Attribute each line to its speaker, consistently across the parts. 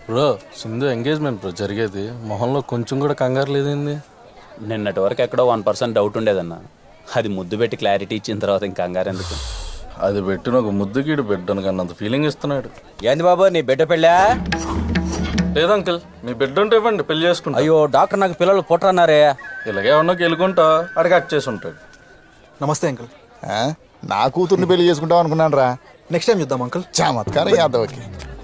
Speaker 1: Bro Sindhu engagement bro జరిగేది, మొహంలో కొంచెం కూడా కంగారు లేదండి.
Speaker 2: నిన్నటి వరకు ఎక్కడో 1% డౌట్ ఉండేదన్న. అది ముద్దు పెట్టి క్లారిటీ ఇచ్చిన తర్వాత ఇంకా కంగారు ఎందుకు?
Speaker 1: అది పెట్టిన ఒక ముద్దుగీడు బిడ్డను కన్నంత ఫీలింగ్ ఇస్తున్నాడు.
Speaker 3: ఏంది బాబు నీ బిడ్డ పెళ్ళా?
Speaker 1: లేదు అంకిల్, మీ బిడ్డ ఉంటే ఇవ్వండి, పెళ్లి చేసుకుంటా.
Speaker 3: అయ్యో డాక్టర్ నాకు పిల్లలు పుట్టరన్నారే.
Speaker 1: ఇలాగే ఉన్నా గెలుకుంటా అడిగి కట్ చేసి ఉంటాడు.
Speaker 4: నమస్తే అంకుల్.
Speaker 5: నా కూతుర్ని పెళ్లి చేసుకుంటాం అనుకున్నాను రా.
Speaker 4: నెక్స్ట్ టైం చూద్దాం అంకుల్.
Speaker 5: చమత్కారం యాదవ్కి.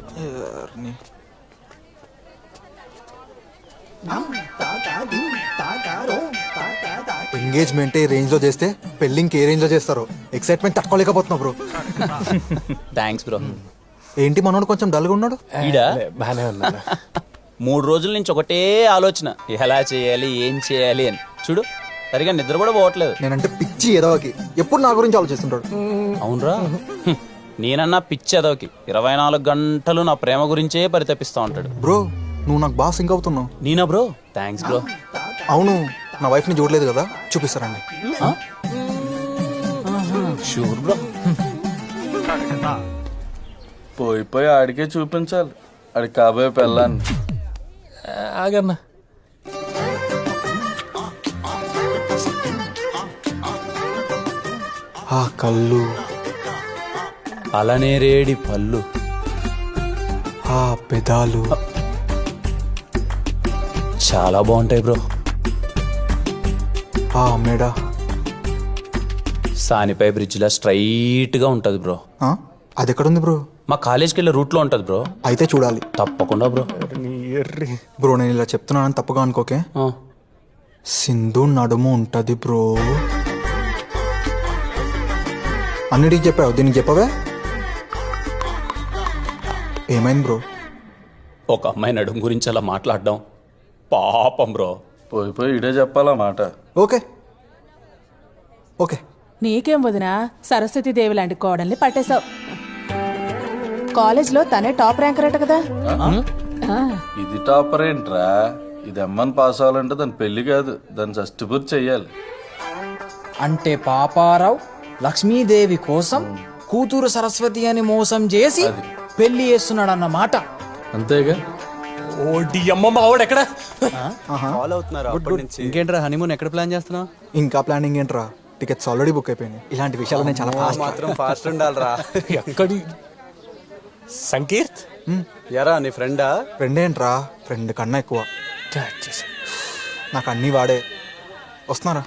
Speaker 4: ఎంగేజ్మెంట్ ఏ రేంజ్ లో చేస్తే పెళ్ళింగ్ ఏ రేంజ్ లో చేస్తారో ఎక్సైట్మెంట్ తట్టుకోలేకపోతున్నా బ్రో.
Speaker 2: Thanks bro.
Speaker 4: ఏంటి మనోడు కొంచెం డల్గా ఉన్నాడు?
Speaker 2: ఈడా
Speaker 1: బానే ఉన్నాడు.
Speaker 2: 3 రోజుల నుంచి ఒకటే ఆలోచన, ఎలా చేయాలి ఏం చేయాలి అని. చూడు సరిగా నిద్ర కూడా పోవట్లేదు.
Speaker 4: నేనంటే పిచ్చి ఏదోకి ఎప్పుడు నా గురించి ఆలోచిస్తుంటాడు.
Speaker 2: అవునరా, నేనన్నా పిచ్చి అదోకి 24 గంటలు నా ప్రేమ గురించే పరితపిస్తా ఉంటాడు.
Speaker 4: బ్రో నువ్వు నాకు బాగా సింక్ అవుతున్నావు.
Speaker 2: నేనా బ్రో? Thanks bro.
Speaker 4: అవును, నా వైఫ్ ని చూడలేదు కదా, చూపిస్తారండి.
Speaker 2: Sure bro.
Speaker 1: పోయి ఆడికే చూపించాలి, ఆడికి కాబోయే పెళ్ళాన్ని.
Speaker 6: ఆగన్నా,
Speaker 4: ఆ కళ్ళు,
Speaker 2: అలానే రేడి పళ్ళు,
Speaker 4: ఆ పెదాలు
Speaker 2: చాలా బాగుంటాయి బ్రో.
Speaker 4: ఆ మెడ,
Speaker 2: సానిపై బ్రిడ్జ్లా స్ట్రైట్ గా ఉంటది బ్రో.
Speaker 4: అది ఎక్కడుంది బ్రో?
Speaker 2: మా కాలేజ్కి వెళ్ళే రూట్ లో ఉంటది బ్రో.
Speaker 4: అయితే చూడాలి
Speaker 2: తప్పకుండా బ్రో.
Speaker 4: బ్రో. నేను ఇలా చెప్తున్నానని తప్పుగా అనుకోకే.
Speaker 2: ఆ,
Speaker 4: సింధు నడుము ఉంటది బ్రో. అన్నిటికి చెప్పావు, దీనికి చెప్పవే? ఏమైంది బ్రో?
Speaker 2: ఒక అమ్మాయి నడుము గురించి అలా మాట్లాడడం పాపం బ్రో.
Speaker 1: పోయి ఇడే చెప్పాలా మాట.
Speaker 4: Okay okay.
Speaker 7: నీకేం వదినా, సరస్వతి దేవి లాంటి కోడల్ని పట్టేశావు. కాలేజ్లో తనే టాప్ ర్యాంకర్ అట కదా.
Speaker 1: ఇది టాపర్ ఏంట్రా? ఇది అమ్మని పాస్ అవ్వాలంటే దాని పెళ్లి కాదు, దాన్ని సస్టిపూర్తి చెయ్యాలి.
Speaker 6: అంటే పాపారావు లక్ష్మీదేవి కోసం కూతురు సరస్వతి అని మోసం చేసి పెళ్లి చేస్తున్నాడు అన్నమాట.
Speaker 1: అంతేగా.
Speaker 3: ఇంకేంట్రా హనీమూన్ ఎక్కడ ప్లాన్ చేస్తున్నావు?
Speaker 4: ఇంకా ప్లానింగ్ ఏంట్రా, టికెట్స్ ఆల్రెడీ బుక్ అయిపోయినాయి. ఇలాంటి విషయాలు నేను చాలా ఫాస్ట్.
Speaker 3: మాత్రం ఫాస్ట్ ఉండాలిరా.
Speaker 6: ఎక్కడి సంకీర్త్
Speaker 3: ఎరా నీ ఫ్రెండా?
Speaker 4: ఫ్రెండ్ ఏంట్రా, ఫ్రెండ్ కన్నా ఎక్కువ. నాకు అన్నీ వాడే. వస్తున్నారా?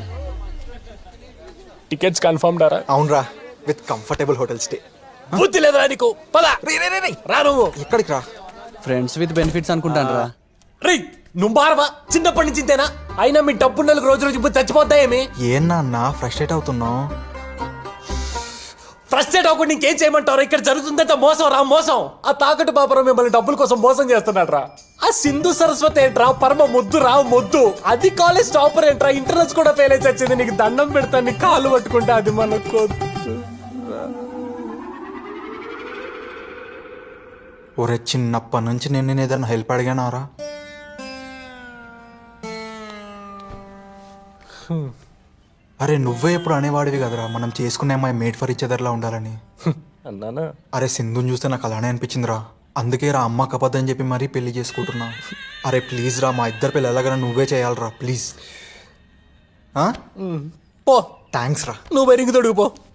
Speaker 6: టికెట్స్ కన్ఫర్మ్ డారా?
Speaker 4: అవునరా, విత్ కంఫర్టబుల్ హోటల్ స్టే.
Speaker 6: బుద్ధి లేదురా నీకు? పద రా. నువ్వు
Speaker 4: ఎక్కడికి రా?
Speaker 3: ఫ్రెండ్స్ విత్ బెనిఫిట్స్ అనుకుంటాను రా.
Speaker 6: రీ నువ్వు బారవా? చిన్నప్పటి నుంచి ఇంతేనా? అయినా మీ డబ్బు నెలకు రోజు ఇప్పుడు చచ్చిపోతాయేమి?
Speaker 4: ఏం నాన్న ఫ్రస్ట్రేట్ అవుతున్నావు?
Speaker 6: ఫ్రస్ట్రేట్ అవ్వకుండా ఇంకేం చేయమంటారు? ఇక్కడ జరుగుతుందంటే మోసం రా, మోసం. ఆ తాకట్టు పాపరం మిమ్మల్ని డబ్బుల కోసం మోసం చేస్తున్నాడు రా. ఆ సింధు సరస్వతి ఏంట్రా, పరమ మొద్దు రా మొద్దు. అది కాలేజ్ టాపర్ ఏంట్రా, ఇంటర్నల్స్ కూడా ఫెయిల్ అయితే వచ్చింది. నీకు దండం పెడతాను, నీ కాళ్ళు పట్టుకుంటా. అది మనకు
Speaker 4: ఒరే, చిన్నప్పటి నుంచి నేను ఏదైనా హెల్ప్ అడిగానారా? అరే నువ్వే ఎప్పుడు అనేవాడివి కదరా, మనం చేసుకునే అమ్మాయి మేడ్ ఫర్ ఈచ్ అదర్లా ఉండాలని.
Speaker 6: అన్నానా?
Speaker 4: అరే సింధుని చూస్తే నాకు అలానే అనిపించిందిరా. అందుకే రా అమ్మ కపద్దని చెప్పి మరీ పెళ్లి చేసుకుంటున్నా. అరే ప్లీజ్ రా, మా ఇద్దరు పెళ్ళి ఎలాగైనా నువ్వే చేయాలరా ప్లీజ్.
Speaker 6: పో,
Speaker 4: థ్యాంక్స్ రా.
Speaker 6: నువ్వు బెరింగి తొడుగు పో.